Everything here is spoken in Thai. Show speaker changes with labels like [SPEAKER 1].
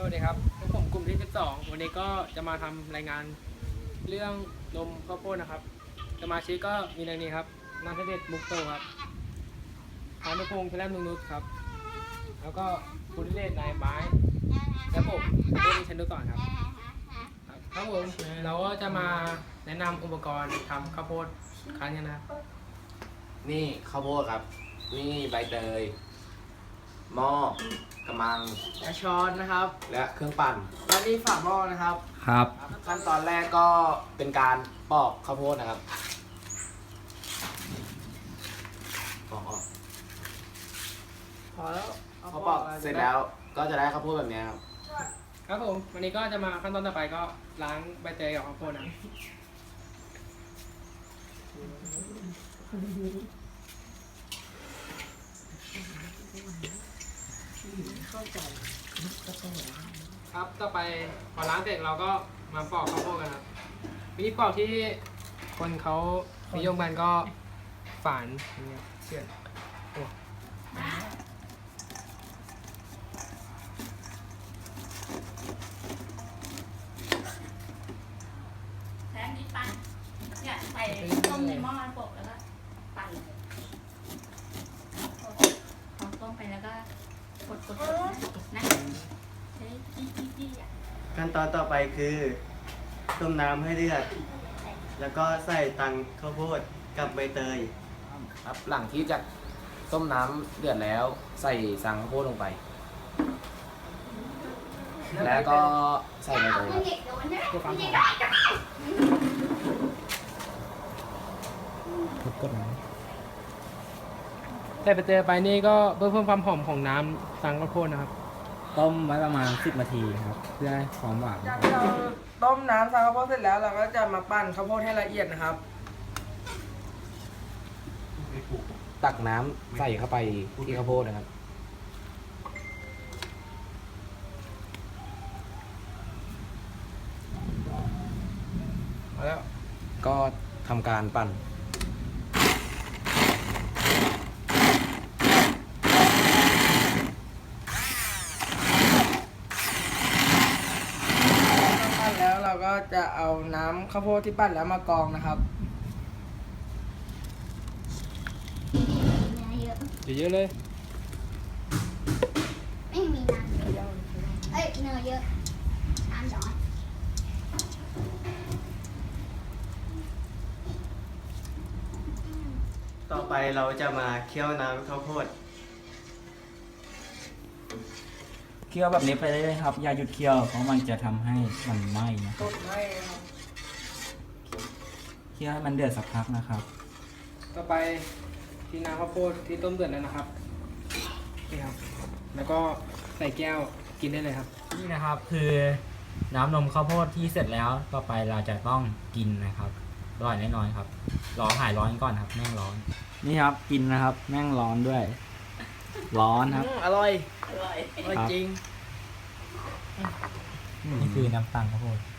[SPEAKER 1] วัสดีครับพวกผมกลุ่มที่12วันนี้ก็จะมาทำรายงานเรื่องนมข้าวโพดนะครับสมาชิกก็มีดังนี้ครับนันทเดชมุกโตครับพานุพงษ์พลนุนุชครับแล้วก็ภูริเดชนายไม้และผมเรื่องชันดุก่อนครับครับผมเราก็จะมาแนะนำอุปกรณ์ทำข้าวโพดครั้งนี้นะครับ
[SPEAKER 2] นี่ข้าวโพดครับนี่ใบเตยหม้อกระมัง
[SPEAKER 1] และช้อนนะครับ
[SPEAKER 2] และเครื่องปั่น
[SPEAKER 1] และนี่ฝาหม้อนะครับ
[SPEAKER 3] ครับ
[SPEAKER 2] ขั้นตอนแรกก็เป็นการปอกข้าวโพดนะครับปอกออก
[SPEAKER 1] พอแล้ว
[SPEAKER 2] พอปอกเสร็จแล้วก็จะได้ข้าวโพดแบบนี้ครับ
[SPEAKER 1] ครับผมวันนี้ก็จะมาขั้นตอนต่อไปก็ล้างใบเตยกับข้าวโพดนะครับต่อไปพอล้างเสร็จเราก็มาปอกข้าวโพดกันครับวิธีปอกที่คนเขานิยมกันก็ฝานอย่างเงี้ยเชือดโอ้
[SPEAKER 4] แทนที่ปั่นเนี่ยใส่ต้มในหม้อโปะแล้วก็ปั่นเลยพอต้มไปแล้วก็กดนะใช้จี้อ่ะ
[SPEAKER 5] ขั้นตอนต่อไปคือต้มน้ำให้เดือดแล้วก็ใส่ตังข้าวโพดกับใบเตย
[SPEAKER 2] ครับหลังที่จะต้มน้ำเดือดแล้วใส่สังข้าวโพดลงไป แล้วก็ใส่ใบเตยครับ
[SPEAKER 1] เพื่อความหอมกดไหนใส่ใบเตยไปนี่ก็เพื่อเพิ่มความหอมของน้ำสังข้าวโพดนะครับ
[SPEAKER 3] ต้มไว้ประมาณ10 นาทีครับเพื่อให้ความหวาน
[SPEAKER 1] จากที่เราต้มน้ำสังข้าวโพดเสร็จแล้วเราก็จะมาปั้นข้าวโพดให้ละเอียดนะครับ
[SPEAKER 2] ตักน้ำใส่เข้าไปที่ข้าวโพดนะครับแล้วก็ทำการปั่น
[SPEAKER 1] ปั้นแล้วเราก็จะเอาน้ำข้าวโพดที่ปั้นแล้วมากรองนะครับเยอะๆเลย
[SPEAKER 4] ไม่มีน้ำเยอะเอ้ยเนยเยอะน้ำน้อย
[SPEAKER 5] ต่อไปเราจะมาเคี่ยวน้ำข้าวโพด
[SPEAKER 3] เคี่ยวแบบนี้ไปเรื่อยๆครับ อย่าหยุดเคี่ยวเพราะมันจะทำให้มันไหม้นะ
[SPEAKER 1] ต้นไม้ครับ
[SPEAKER 3] เคี่ยวให้มันเดือดสักพักนะครับ
[SPEAKER 1] ต่อไปที่น้ำข้าวโพดที่ต้มเดือดแล้วนะครับนี่ครับแล้วก็ใส่แก้วกินได้เลยครับ
[SPEAKER 3] นี่นะครับคือน้ำนมข้าวโพดที่เสร็จแล้วต่อไปเราจะต้องกินนะครับอร่อยแน่นอนครับรอหายร้อนก่อนครับแม่งร้อนนี่ครับกินนะครับแม่งร้อนด้วย ร้อนครับ
[SPEAKER 1] อร่อย
[SPEAKER 4] อร่อย
[SPEAKER 1] อร่อยจริง
[SPEAKER 3] นี่คือน้ำตาลข้าวโพด